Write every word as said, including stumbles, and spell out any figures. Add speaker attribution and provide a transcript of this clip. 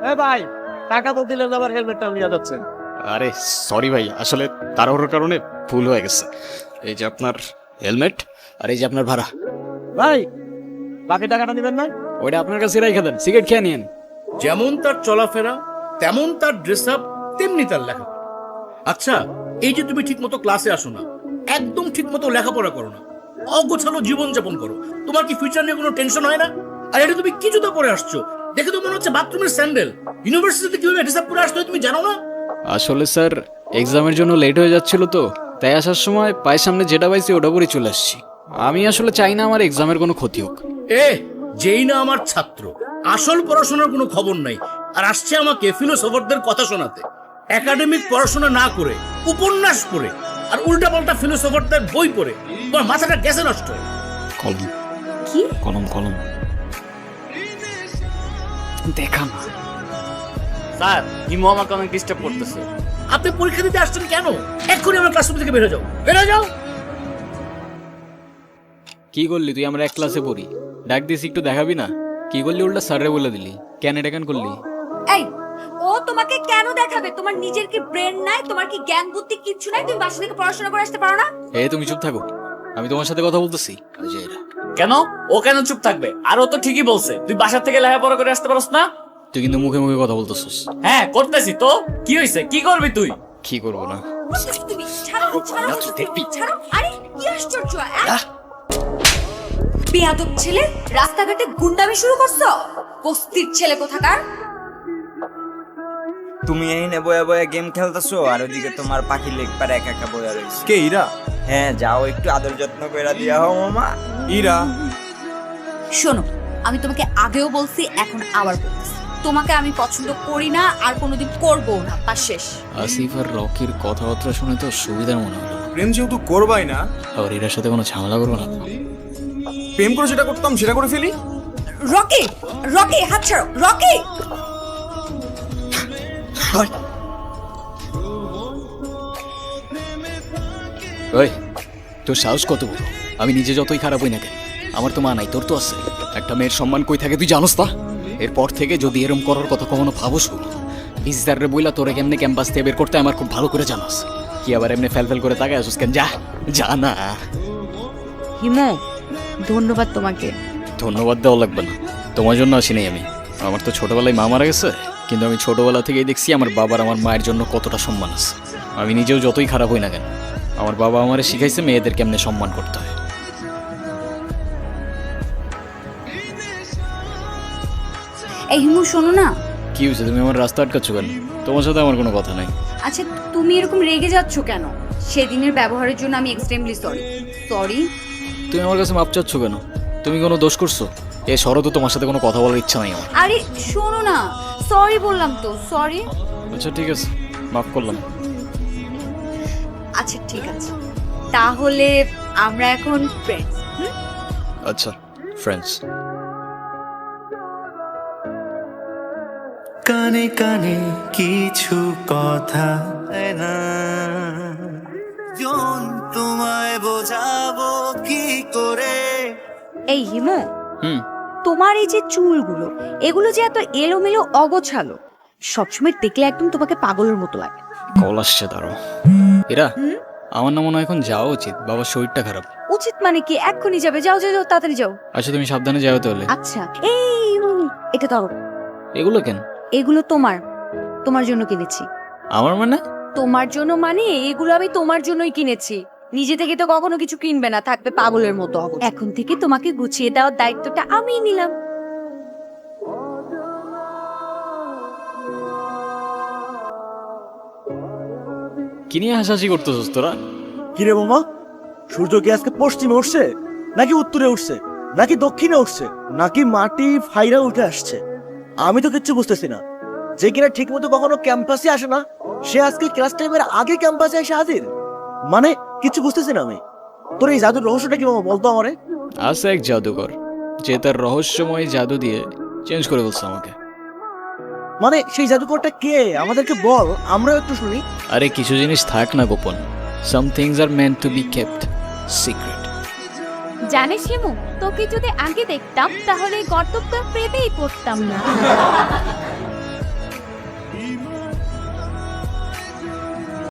Speaker 1: এ ভাই টাকা তো দিলেন, আবার হেলমেটটা নিয়ে যাচ্ছেন।
Speaker 2: আরে সরি ভাই, আসলে তাড়াহুড়োর কারণে ভুল হয়ে গেছে। এই যে আপনার হেলমেট, আর এই যে আপনার ভাড়া।
Speaker 1: ভাই বাকি টাকাটা দিবেন না?
Speaker 2: ওইটা আপনার কাছে রেখে দেন, সিগারেট খেয়ে নিন।
Speaker 3: যেমন তার চলাফেরা, তেমন তার ড্রেস আপ, তেমনি তার লেখাপড়া। আচ্ছা, এই যে তুমি ঠিক মতো ক্লাসে আসো না, একদম ঠিক মতো লেখাপড়া করো না, অগোছালো জীবনযাপন করো, তোমার কি ফিউচার নিয়ে কোনো টেনশন হয় না? আর এটা তুমি কি জুতা পরে আসছো? দেখে তো মনে হচ্ছে বাথরুমের স্যান্ডেল। ইউনিভার্সিটিতে কিভাবে ড্রেস আপ পরে আসতে হয় তুমি জানো না?
Speaker 2: আসলে স্যার এক্সামের জন্য লেট হয়ে যাচ্ছিল তো, তাই আসার সময় পায়ের সামনে যেটা পাইছি ওটা পরে চলে আসছি। আমি আসলে চাই না আমার এক্সামের কোনো ক্ষতি হোক।
Speaker 3: এ যেই না আমার ছাত্র, আসল পড়াশোনার কোনো খবর নাই, আর আসছে আমাকে ফিলোসফারদের কথা শোনাতে। একাডেমিক পড়াশোনা না করে, উপন্যাস পড়ে, আর উল্টাপাল্টা ফিলোসফারদের বই পড়ে তোমার মাথাটা গেছে নষ্ট হয়ে।
Speaker 2: কলম
Speaker 4: কি
Speaker 2: কলম কলম দেখা না।
Speaker 5: স্যার হিমু আমাকে অনেক ডিস্টার্ব করতেছে।
Speaker 3: আপনি পরীক্ষা দিতে আসছেন কেন? এক্ষুনি আমার ক্লাসরুম থেকে বেরো যাও, বেরো যাও।
Speaker 2: কি করলি তুই? আমরা এক ক্লাসে পড়ি, ডাক দিস একটু দেখাবি না? কি করলি উল্টা স্যারে বলে দিলি, কেন এটা কেন করলি?
Speaker 4: এই ও তোমাকে কেন দেখাবে? তোমার নিজের কি ব্রেন নাই? তোমার কি জ্ঞান বুদ্ধি কিচ্ছু নাই? তুমি বাসা থেকে পড়াশোনা করে আসতে পারো না?
Speaker 2: এ তুমি চুপ থাকো, আমি তোমার সাথে কথা বলতেছি।
Speaker 5: কেন ও কেন চুপ থাকবে? আর ও তো ঠিকই বলছে, তুই বাসা থেকে লেখাপড়া করে আসতে পারস না।
Speaker 2: তুই কিন্তু মুখে মুখে কথা বলতেছিস।
Speaker 5: হ্যাঁ করতেছি তো, কি হয়েছে? কি করবি তুই?
Speaker 2: কি করবো না?
Speaker 4: তুমি ছাড়ো, ছাড়ো, ছাড়ো। আরে কি আশ্চর্য! আহ! বেয়াদব ছেলে, রাস্তাঘাটে গুন্ডামি শুরু করছো? বস্তির ছেলে কোথাকার।
Speaker 6: তুমি এই নে বয়া বয়া গেম খেলতেছো, আর ওদিকে তোমার পাখি লেগ পারে একা একা বয়া রয়েছে।
Speaker 7: কে ইরা?
Speaker 6: হ্যাঁ যাও, একটু আদর যত্ন করে দিয়া হও মামা।
Speaker 7: ইরা
Speaker 4: শোনো, আমি তোমাকে আগেও বলছি, এখন আবার বলছি, তোমাকে আমি পছন্দ করি না, আর কোনোদিন করবো না, তা শেষ।
Speaker 2: আসিফ আর রকির কথাবার্তা শুনে তো সুবিধার মনে হলো।
Speaker 7: প্রেম যেহেতু করবাই না,
Speaker 2: আবার এটার সাথে কোনো ঝামেলা করবো না তো?
Speaker 7: প্রেম করে যেটা করতাম সেটা করে ফেলি।
Speaker 4: রকি, রকি হাত ছাড়ো, রকি।
Speaker 2: ওই তোর সাহস কত বড়? আমি নিজে যতই খারাপ হই না কেন, আমার তো মা নাই, তোর তো আছে। একটা মেয়ের সম্মান কই থাকে তুই জানোস তা? এরপর থেকে যদি এরম করার কথা কখনো ভাবোস, ইজদারে বইলা তোরে কেমনে ক্যাম্পাস থেকে বের করতে আমার খুব ভালো করে জানাস। কি আবার এমনি ফেল ফেল করে তাকায় আসুস কেন? যা যা না।
Speaker 4: হিমু, ধন্যবাদ তোমাকে।
Speaker 2: ধন্যবাদ দেওয়া লাগবে না, তোমার জন্য আসি নাই আমি। আমার তো ছোটবেলায় মা মারা গেছে, কিন্তু আমি ছোটবেলা থেকেই দেখছি আমার বাবার আমার মায়ের জন্য কতটা সম্মান আছে। আমি নিজেও যতই খারাপ হই না কেন, আমার বাবা আমারে শিখাইছে মেয়েদের কেমনে সম্মান করতে হয়।
Speaker 4: এই হিমু শোনো না।
Speaker 2: কি হয়েছে? তুমি আমার রাস্তা আটকাচ্ছ কেন? তোমার সাথে আমার কোনো কথা নাই।
Speaker 4: আচ্ছা তুমি এরকম রেগে যাচ্ছ কেন? সেদিনের ব্যবহারের জন্য আমি এক্সট্রিমলি সরি। সরি।
Speaker 2: তুমি আমার কাছে মাপ চাচ্ছ কেন? তুমি কোনো দোষ করছো? এ শরৎ, তোমার সাথে কোনো কথা বলার ইচ্ছা নাই আমার।
Speaker 4: আরে শোনো না, সরি বললাম তো, সরি।
Speaker 2: আচ্ছা ঠিক আছে, মাফ করলাম।
Speaker 4: আচ্ছা ঠিক আছে, তাহলে আমরা এখন ফ্রেন্ডস।
Speaker 2: আচ্ছা ফ্রেন্ডস।
Speaker 8: কানে কানে কিছু কথা না, জন তোমায় বোঝাবো কি করে।
Speaker 4: এই হিমু,
Speaker 2: হুম
Speaker 4: তোমার এই যে চুলগুলো, এগুলো যে এত এলোমেলো অগোছালো, সবসময় দেখলে একদম তোমাকে পাগলের মতো লাগে।
Speaker 2: কল আসছে, দাঁড়াও। এরা আমার না মনে হয় এখন যাওয়া উচিত, বাবার শরীরটা খারাপ।
Speaker 4: উচিত মানে কি? এক্ষুনি যাবে, যাও যাও যাও, তাড়াতাড়ি যাও।
Speaker 2: আচ্ছা তুমি সাবধানে যাও তাহলে।
Speaker 4: আচ্ছা এই উম, এটা ধরো।
Speaker 2: এগুলো কেন?
Speaker 4: এগুলো তোমার, তোমার জন্য কিনেছি।
Speaker 2: আমার মানে?
Speaker 4: তোমার জন্য মানে এগুলো আমি তোমার জন্যই কিনেছি। নিজে থেকে তো কখনো কিছু কিনবে না, থাকবে পাগলের মতো। এখন থেকে তোমাকে গুছিয়ে দেওয়ার দায়িত্বটা আমিই নিলাম।
Speaker 2: কি নিয়ে হাসাহাসি করতেছিস তোরা?
Speaker 1: কিরে মামা, সূর্য কি আজকে পশ্চিমে উঠছে, নাকি উত্তরে উঠছে, নাকি দক্ষিণে উঠছে, নাকি মাটি ফাইরা উঠে আসছে? আমি তো কিচ্ছু বুঝতেছি না। যে কিনা ঠিক মতো কখনো ক্যাম্পাসে আসে না, সে আজকে ক্লাস টাইমের আগে ক্যাম্পাসে এসে হাজির। মানে কিছু বুঝতেছি না আমি। তোর এই জাদুর রহস্যটা কি মামা, বলতো আমারে।
Speaker 2: আছে এক জাদুকর, যে তার রহস্যময় জাদু দিয়ে চেঞ্জ করে বলছে আমাকে।
Speaker 1: মানে সেই জাদুকরটা কে? আমাদেরকে বল, আমরাও একটু শুনি।
Speaker 2: আরে কিছু জিনিস থাক না গোপন। Some things are meant to be kept secret.
Speaker 9: জানিস হিমু, তোকে যদি আগে দেখতাম তাহলে গর্তব্য প্রেমেই পড়তাম না।